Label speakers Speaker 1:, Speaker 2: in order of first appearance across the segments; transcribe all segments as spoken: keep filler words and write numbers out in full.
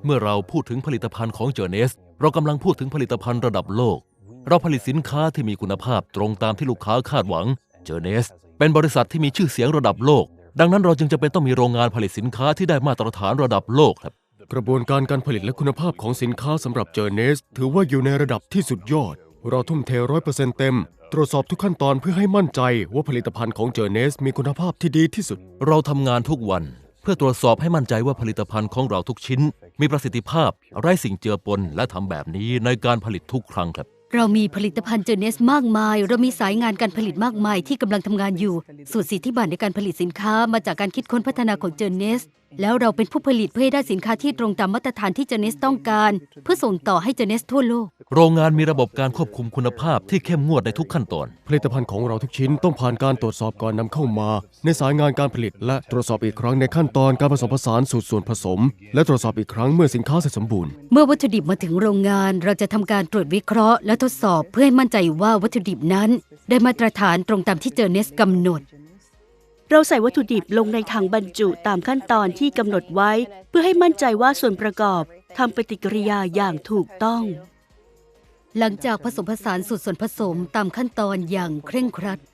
Speaker 1: เมื่อเราพูดถึงผลิตภัณฑ์ของเจอเนสเรากำลังพูดถึงผลิตภัณฑ์ระดับโลกเราผลิตสินค้าที่มีคุณภาพตรงตามที่ลูกค้าคาดหวังเจอเนสเป็นบริษัทที่มีชื่อเสียงระดับโลกดังนั้นเราจึงจะเป็นต้องมีโรงงานผลิตสินค้าที่ได้มาตรฐานระดับโลกครับ
Speaker 2: กระบวนการการผลิตและคุณภาพของสินค้าสำหรับเจอเนสถือว่าอยู่ในระดับที่สุดยอดเราทุ่มเท ร้อยเปอร์เซ็นต์ เต็มตรวจสอบทุกขั้นตอนเพื่อให้มั่นใจว่าผลิตภัณฑ์ของเจอเนสมีคุณภาพที่ดีที่สุด
Speaker 1: เราทำงานทุกวันเพื่อตรวจสอบให้มั่นใจว่าผลิตภัณฑ์ของเราทุกชิ้นมีประสิทธิภาพไร้สิ่งเจือปนและทำแบบนี้ในการผลิตทุกครั้งครับ
Speaker 3: เรามีผลิตภัณฑ์เจอเนสมากมายเรามีสายงานการผลิตมากมายที่กำลังทำงานอยู่สูตรสิทธิบัตรในการผลิตสินค้ามาจากการคิดค้นพัฒนาของเจอเนสแล้วเราเป็นผู้ผลิตเพื่อให้ได้สินค้าที่ตรงตามมาตรฐานที่เจอเนสต้องการเพื่อส่งต่อให้เจอเนสทั่วโลก
Speaker 1: โรงงานมีระบบการควบคุมคุณภาพที่เข้มงวดในทุกขั้นตอน
Speaker 2: ผลิตภัณฑ์ของเราทุกชิ้นต้องผ่านการตรวจสอบก่อนนำเข้ามาในสายงานการผลิตและตรวจสอบอีกครั้งในขั้นตอนการผสมผสานสูตรส่วนผสมและตรวจสอบอีกครั้งเมื่อสินค้าเสร็จสมบูรณ์
Speaker 3: เมื่อวัตถุดิบมาถึงโรงงานเราจะทำการตรวจวิเคราะห์และทดสอบเพื่อให้มั่นใจว่าวัตถุดิบนั้นได้มาตรฐานตรงตามที่เจอเนสกำหนด
Speaker 4: เราใส่วัตถุดิบลงในถังบรรจุตามขั้นตอนที่กำหนดไว้เพื่อให้มั่นใจว่าส่วนประกอบทำปฏิกิริยาอย่างถูกต้อง
Speaker 3: หลังจากผสมผสานสูตรส่วนผสมตามขั้นตอนอย่างเคร่งครัด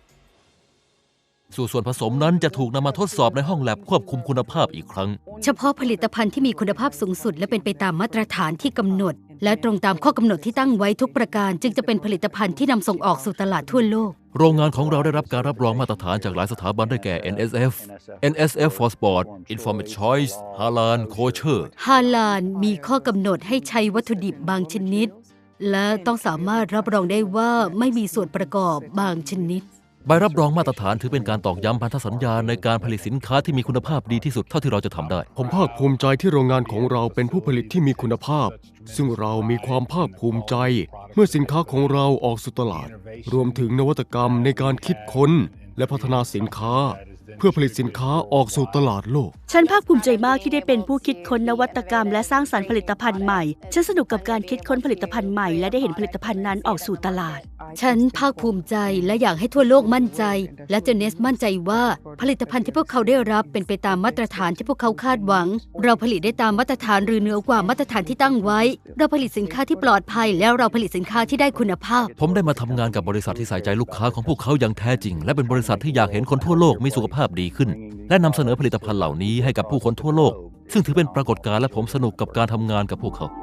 Speaker 1: สูตรส่วนผสมนั้นจะถูกนำมาทดสอบในห้องแลบควบคุมคุณภาพอีกครั้ง
Speaker 3: เฉพาะผลิตภัณฑ์ที่มีคุณภาพสูงสุดและเป็นไปตามมาตรฐานที่กำหนดและตรงตามข้อกำหนดที่ตั้งไว้ทุกประการจึงจะเป็นผลิตภัณฑ์ที่นำส่งออกสู่ตลาดทั่วโลก
Speaker 1: โรงงานของเราได้รับการรับรองมาตรฐานจากหลายสถาบันได้แก่ เอ็น เอส เอฟ เอ็น เอส เอฟ for Sport Informed Choice Halal Kosher
Speaker 3: ฮาลาลมีข้อกำหนดให้ใช้วัตถุดิบบางชนิดและต้องสามารถรับรองได้ว่าไม่มีส่วนประกอบบางชนิด
Speaker 1: ใบรับรองมาตรฐานถือเป็นการตอกย้ำพันธสัญญาในการผลิตสินค้าที่มีคุณภาพดีที่สุดเท่าที่เราจะทำได้
Speaker 2: ผมภาคภูมิใจที่โรงงานของเราเป็นผู้ผลิตที่มีคุณภาพซึ่งเรามีความภาคภูมิใจเมื่อสินค้าของเราออกสู่ตลาดรวมถึงนวัตกรรมในการคิดค้นและพัฒนาสินค้าเพื่อผลิตสินค้าออกสู่ตลาดโลก
Speaker 4: ฉันภาคภูมิใจมากที่ได้เป็นผู้คิดค้นนวัตกรรมและสร้างสรรค์ผลิตภัณฑ์ใหม่ฉันสนุกกับการคิดค้นผลิตภัณฑ์ใหม่และได้เห็นผลิตภัณฑ์นั้นออกสู่ตลาด
Speaker 3: ฉันภาคภูมิใจและอยากให้ทั่วโลกมั่นใจและเจอเนสมั่นใจว่าผลิตภัณฑ์ที่พวกเขาได้รับเป็นไปตามมาตรฐานที่พวกเขาคาดหวังเราผลิตได้ตามมาตรฐานหรือเหนือกว่ามาตรฐานที่ตั้งไว้เราผลิตสินค้าที่ปลอดภัยแล้วเราผลิตสินค้าที่ได้คุณภาพ
Speaker 1: ผมได้มาทำงานกับบริษัทที่ใส่ใจลูกค้าของพวกเขาอย่างแท้จริงและเป็นบริษัทที่อยากเห็นคนทั่วโลกมีสุขภาพดีขึ้นและนำเสนอผลิตภัณฑ์เหล่านี้ให้กับผู้คนทั่วโลกซึ่งถือเป็นปรากฏการณ์และผมสนุกกับการทำงานกับพวกเขา